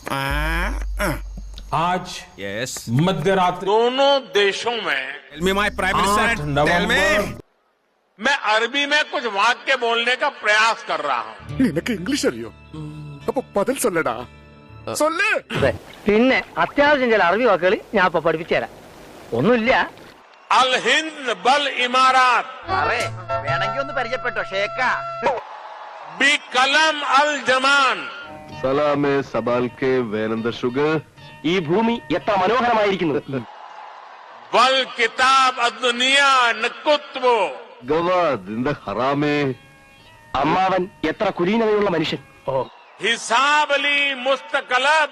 आज मध्यरात्रि दोनों देशों में नवंबर मैं अरबी में कुछ वाक्य बोलने का प्रयास कर रहा हूँ. നിനക്ക് ഇംഗ്ലീഷ് അറിയോ? അപ്പൊ പതിൽ സൊല്ലടാ. സൊല്ല്. പിന്നെ അത്യാവശ്യം ചില അറിവ് വാക്കുകൾ ഞാൻ ഇപ്പൊ പഠിപ്പിച്ചു തരാം. ഒന്നുമില്ല. अल हिंद बल इमारात വേണമെങ്കിൽ ഒന്ന് പരിചയപ്പെട്ടോ ഷേക്ക. बी कलम अल जमान സലാമേ സബാൽക്കെ വേനന്ദ ഷുഗർ. ഈ ഭൂമി എത്ര മനോഹരമായിരിക്കുന്നു. बल किताब अदुनिया नकुत्वो ഗവാദിന്റെ ഹറാമേ. അമ്മാവൻ എത്ര കുലീനതയുള്ള മനുഷ്യൻ. हिसाब अली मुस्तकलब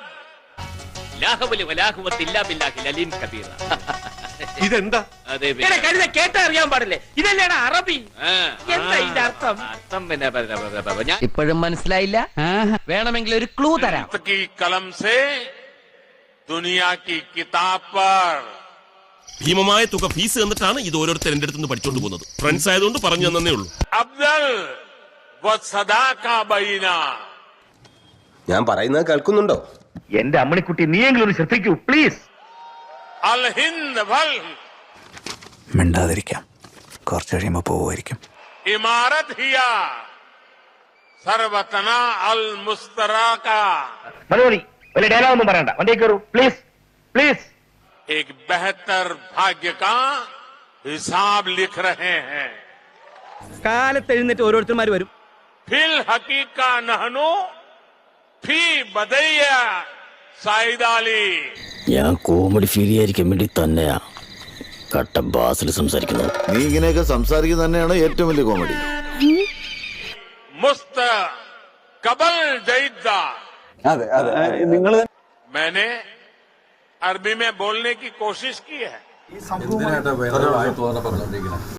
ഇതെന്താ? കേട്ടറിയാൻ പാടില്ലേ? ഇതല്ലേടാ അറബി. എന്താ ഇതിന്റെ അർത്ഥം? ഇപ്പോഴും മനസ്സിലായില്ല? വേണമെങ്കിൽ ഒരു ക്ലൂ തരാം. की कलम से दुनिया की किताब पर ഭീമമായ തുക ഫീസ് തന്നിട്ടാണ് ഇത് ഓരോരുത്തർ എന്റെ അടുത്ത് നിന്ന് പഠിച്ചോണ്ട് പോകുന്നത്. ഫ്രണ്ട്സ് ആയതുകൊണ്ട് പറഞ്ഞു തന്നേ ഉള്ളൂ. अफजल व सदा का बहीना. ഞാൻ പറയുന്നത് കേൾക്കുന്നുണ്ടോ? എന്റെ അമ്മണിക്കുട്ടി നീയെങ്കിലും ഒന്ന് ശ്രദ്ധിക്കൂ പ്ലീസ്. अल हिंद बल മിണ്ടാതിരിക്കാം, കുറച്ച് കഴിയുമ്പോ പോവുമായിരിക്കും. इमारत हिया सर्वतना अल मुस्तराका. മലയാളി വലിയ ഡയലോഗ് ഒന്നും പറയണ്ട, വണ്ടി കയറൂ പ്ലീസ് പ്ലീസ്. एक बेहतर भाग्य का हिसाब लिख रहे हैं. കാലത്ത് എഴുന്നേറ്റ് ഓരോരുത്തർമാർ വരും. फिल हकीका नहनो फी बदैया साइदाली. ഞാൻ കോമഡി ഫീൽ ചെയ്യാതിരിക്കാൻ വേണ്ടി തന്നെയാ കട്ട ബാസിൽ സംസാരിക്കുന്നത്. നീ ഇങ്ങനെയൊക്കെ സംസാരിക്കുന്നത് തന്നെയാണ് ഏറ്റവും വലിയ കോമഡി. मुस्त कबल जईदा. അതെ അതെ നിങ്ങൾ मैंने अरबी में बोलने की कोशिश की है.